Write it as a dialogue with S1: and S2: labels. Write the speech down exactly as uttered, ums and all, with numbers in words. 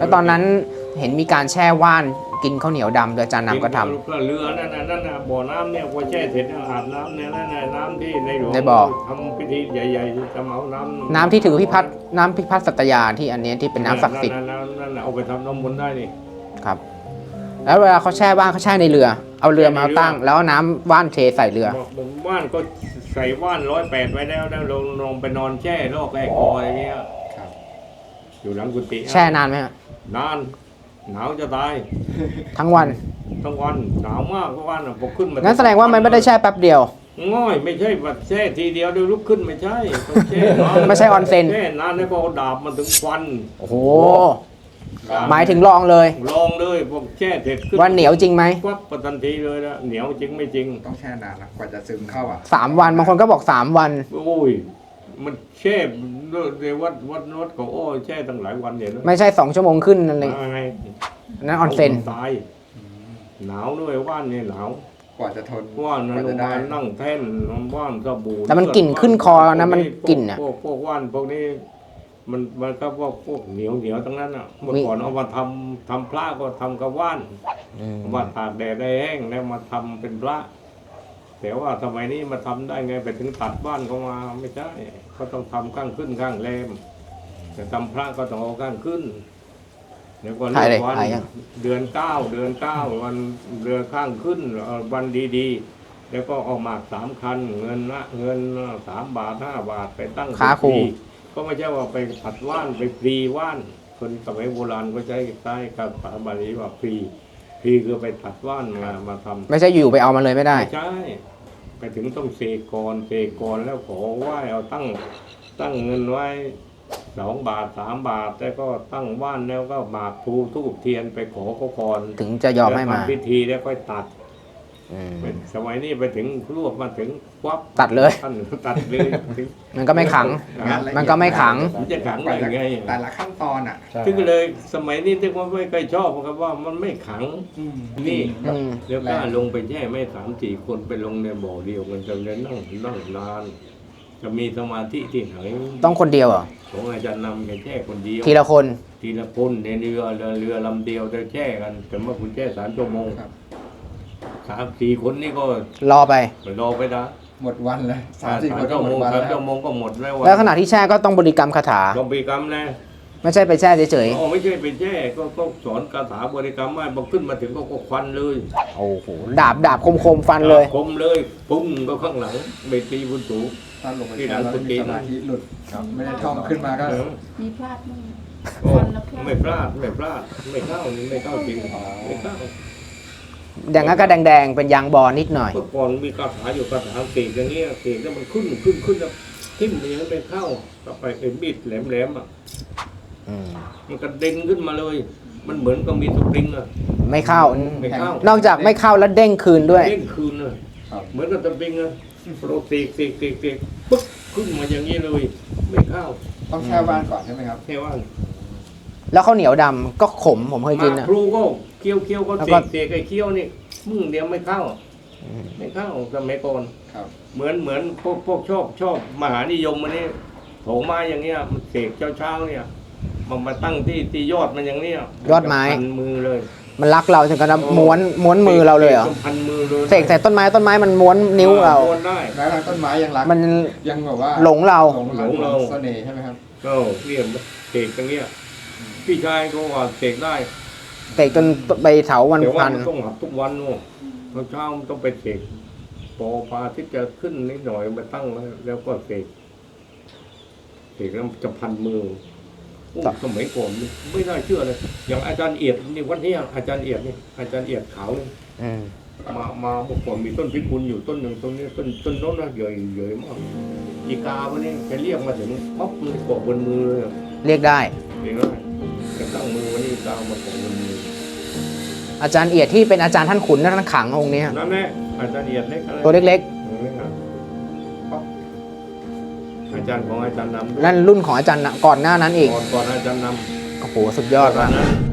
S1: แล้วตอนนั้นเห็นมีการแช่ว่านกินข้าวเหนียวดำโดยอาจารย์นำก็ทำ
S2: เรือนั่นน่ะนั่นน่ะบ่อน้ำเนี่ยพอแช่เสร็จอาบน้ำเนี่ยนั่นน่ะน้ำที่ในหลวง
S1: ในบ่อ
S2: ทำพิธีใหญ่ๆทำเอาน้ำ
S1: น้ำที่ถือพิพัฒน์น้ำพิพัฒน์สัตยาที่อันนี้ที่เป็นน้ำศักดิ์สิทธิ์
S2: นั่นน่ะนั่นน่ะเอาไปทำน้ำมนต์ได้นี่
S1: ครับ แล้วเวลาเขาแช่ว่านเขาแช่ในเรือ เอาเรือมาตั้ง แล้วเอาน้ำว่านเทใส่เรือ
S2: บอกว่านก็ใส่ว่านร้อยแปดไว้แล้วแล้วลงลงไปนอนแช่โรคแก้คออะไรเงี้ย
S3: ครับ
S2: อยู่หลังกุฏิ
S1: แช่นานไหมฮะ
S2: นานหนาวจะตาย
S1: ทั้งวัน
S2: ทั้งวันหนาวมากทุกวันอ่ะพอขึ้นมา
S1: งั้นแสดงว่ามันไม่ได้แช่แป๊บเดียว
S2: ง่อยไม่ใช่แบบแช่ทีเดียวเดี๋ยวลุกขึ้นไม่ใช่ต้องแช่นาน
S1: ไม่ใช่ออนเซ็น
S2: แช่นานแล้วก็เอาดาบมันถึงฟัน
S1: โอ้โห หมายถึงลองเลย
S2: ลองเลยพวกแช่เสร็จขึ้น
S1: ว่าเหนียวจริงไหม
S2: ควับประทันทีเลยนะเหนียวจริงไม่จริง
S3: ต้องแช่นานนะกว่าจะซึมเข้าอ่ะ
S1: สามวันบางคนก็บอกสามวัน
S2: โอ้ยมันแช่ในวัดวัดวัดของโอ้ยแช่ตั้งหลายวันเนี่ยนะ
S1: ไม่ใช่สองชั่วโมงขึ้นนั่นเลย
S2: มาไง
S1: นั่นออนเซ็น
S2: ตายหนาวด้วยว่านเนี่ยหนาว
S3: กว่าจะทน
S2: ว่านนะ
S3: กว่า
S2: ล
S3: จะ
S2: ง
S3: ได้
S2: มานั่งแท่นว่านสบู่
S1: แต่มันกลิ่นขึ้นคอนะมันกลิ่นอะ
S2: พวกพวกว่านพวกนี้มันมันก็พวกพวกเหนียวเหนียวทั้งนั้นอ่ะเมื่อก่อนเอามาทำทำพระก็ทำกับว่าน
S1: อืม
S2: ว่าตากแดดได้แห้งแล้วมาทำเป็นพระ แต่ว่าสมัยนี้มาทำได้ไงไปถึงตัดบ้านเขามาไม่ใช่เขาต้องทำข้างขึ้นข้างแรมแต่ทำพระก็ต้องเอาข้างขึ้นเดี๋ยวก็เลื
S1: ถ่ายเล
S2: อย กวัน
S1: ถ่ายยัง
S2: เดือนเก้าเดือนเก้าวันเรือข้างขึ้นเอ่อวันดีๆ แล้วก็เอาหมากสามคัน เงินละเงินสามบาทห้าบาทไปตั้ง
S1: ค้าครู
S2: ฟรีก็ไม่ใช่ว่าไปผัดว่านไปฟรีว่านคนสมัยโบราณก็ใช้ใช้กับภาษาบาลีว่าฟรีฟรีคือไปผัดว่านมามาทำ
S1: ไม่ใช่อยู่ไปเอามาเลยไม่ได้
S2: ไม่ใช่ไปถึงต้องเสกก่อนเสกก่อนแล้วขอไหว้เอาตั้งตั้งเงินไว้สองบาทสามบาทแล้วก็ตั้งว่านแล้วก็หมากพลูทูบเทียนไปขอเขาก่อน
S1: ถึงจะยอมให้มา
S2: แล้วทำพิธีแล้วค่อยตัด
S1: อืม
S2: สมัยนี้ไปถึงรวบมาถึงควับ
S1: ตัดเลย
S2: ท่านตัดเลยถึง
S1: มันก็ไม่ขัง
S3: งานละเอียด
S1: มันก็ไม่ขัง
S2: มันจะขัง
S3: กว่า
S2: ได้
S3: จะ
S2: ไง
S3: แต่ละขั้นตอนอ่ะ
S2: ถึงเลยสมัยนี้ที่ว่าไม่เคยชอบเพราะว่ามันไม่ขัง นี่
S1: อืม
S2: เดี๋ยวกล้าลงไปแช่ไม่สามสี่คนไปลงในบ่อเดียวมันจะเลยนั่งนั่งนาน จะมีสมาธิที่ไหน
S1: ต้องคนเดียวเหรอ
S2: ของอาจารย์นำแค่แช่คนเดียว
S1: ทีละคน
S2: ทีละคนในเรือเรือเรือลำเดียวจะแช่กันแต่เมื่อคุณแช่สามชั่วโมง
S3: ครับ
S2: สามสี่คนนี่ก็
S1: รอไป
S2: ไปรอไปนะ
S3: หมดวันเลยสา
S2: สาม ม
S3: สี่คนก็
S2: ชั่ว
S3: หม
S2: โม
S3: ด
S2: ง
S3: วัน
S2: สาม
S3: แล้ว
S2: ชั่วโมงก็หมดแล้ว
S1: แล้วขณะที่แช่ก็ต้องบริกรรมคาถา
S2: ต้องบริกรรมนะ
S1: ไม่ใช่ไปแช่เฉย
S2: อ๋อไม่ใช่ไปแช่ก็ก็สอนคาถาบริกรรมว่าพอขึ้นมาถึงก็ก็ควันเลย
S1: ๆ โอ้โห ดาบดาบคมคมๆฟันเลย
S2: คมเลยปุ้งก็ข้างหลังเบตีบุญสูง
S3: ถ้าลงไปแช่แล้วมีสมาธิหลุดไม่ได้ท่องขึ้นมาก็
S2: เออ
S4: มีพลาดมั้ง
S2: โอ้
S4: ฟันแล้วพลาด
S2: ไม่พลาดไม่พลาดไม่เข้านี่ไม่เข้าจริงไม่เข้า
S1: อย่างนั้นก็แดงๆ เป็นยางบอลนิดหน่อย
S2: เมื่อก่อนมีคาถาอยู่คาถาเสกอย่างเงี้ยเสกแล้วมันขึ้นขึ้นขึ้นแล้วทิ่มมันยังไม่เข้าต่อไปไอ้มีดแหลมๆอ่ะ
S1: อืม
S2: มันกระเด็นขึ้นมาเลย มันเหมือนกับมีสปริงอ่ะ
S1: ไม่เข้า
S2: ไม่เข้าน
S1: อกจากไม่เข้าแล้วเด้งคืนด้วย
S2: เด้งคืนอ่ะ
S3: ครับ
S2: เหมือนกับสปริงอ่ะโรตีเสกเสกเสกปึ๊บขึ้นมาอย่างนี้เลย ไม่เข้า
S3: ต้องแช่ว่านก่อนใช่ไหมครับ
S2: แค่ว่า
S1: แล้วข้าวเหนียวดำก็ขมผมเคยกิน
S2: มา
S1: อ่ะ
S2: ครูก็เคี้ยวเคี้ยวก็
S1: แล้ว
S2: เส
S1: ก็
S2: กเสกไอ้เคี้ยวนี่มึงเดียวไม่เข้า ไม่เข้าสมัยก่อน
S3: ครับ
S2: เหมือนเหมือนพวกพวกชอบชอบมหานิยมมันนี่โถไม้อย่างเงี้ยมันเสกเช้าเช้าๆเนี่ยมันมาตั้งที่ที่ยอดมันอย่างเนี้ย
S1: ยอดไม้
S2: พันมือเลย
S1: มันรักเราถึงกับม้วนม้วนมือเราเลยเหรอ
S2: พันมือเลย
S1: เสกใส่ต้นไม้ต้นไม้มันม้วนนิ้วเรา
S2: ม้วนได้
S3: แม้ทางต้นไม้ยังรัก
S1: มัน
S3: ยังแบบว่า
S1: หลงเรา
S3: หลง
S2: หลงเรา
S3: เสน่ห์ใช่ไหมครับ
S2: ก็เรียกเสกอย่างเงี้ยพี่ชายก็ว่าเสกได้
S1: เสกจนใบเถาวัน
S2: แต่ว่า
S1: พัน
S2: มันต้องหับทุกวันโน่เช้าเช้ามันต้องไปเสกพอพระอาที่จะขึ้นนิดหน่อยมาตั้งแล้วแล้วก็เสกเสกแล้วจะพันมือโอ้สมัยก่อนนี่ไม่น่าเชื่อเลย อย่างอาจารย์เอียดนี่วันนี้อาจารย์เอียดนี่อาจารย์เอียดขาวนี่
S1: อืม
S2: มามาเมื่อก่อนมีต้นพิกุลอยู่ต้นหนึ่งต้นนี้ต้นต้นโน้นนะใหญ่ใหญ่มากอีกาวันนี้แกเรียกมาถึงปั๊บเลยเกาะบนมือเลยอะ
S1: เรียกได้
S2: เองเลยแกตั้งมือวันนี้กามาเกาะบนมือ
S1: อาจารย์เอียดที่เป็นอาจารย์ท่านขุนและท่านขังองค์เนี้ย
S2: นั่นแหละอาจารย์เอียดเล็กอะไร
S1: ตัวเล็ก
S2: อาจารย์ของอาจารย์นำ
S1: ๆ นั่นรุ่นของอาจารย์ก่อนหน้านั้นอีก
S2: ก่อนก่อนอาจารย์น
S1: โอ้โห สุดย
S2: ำ
S1: อด
S2: ตอ
S1: ว่ะ
S2: นนั้น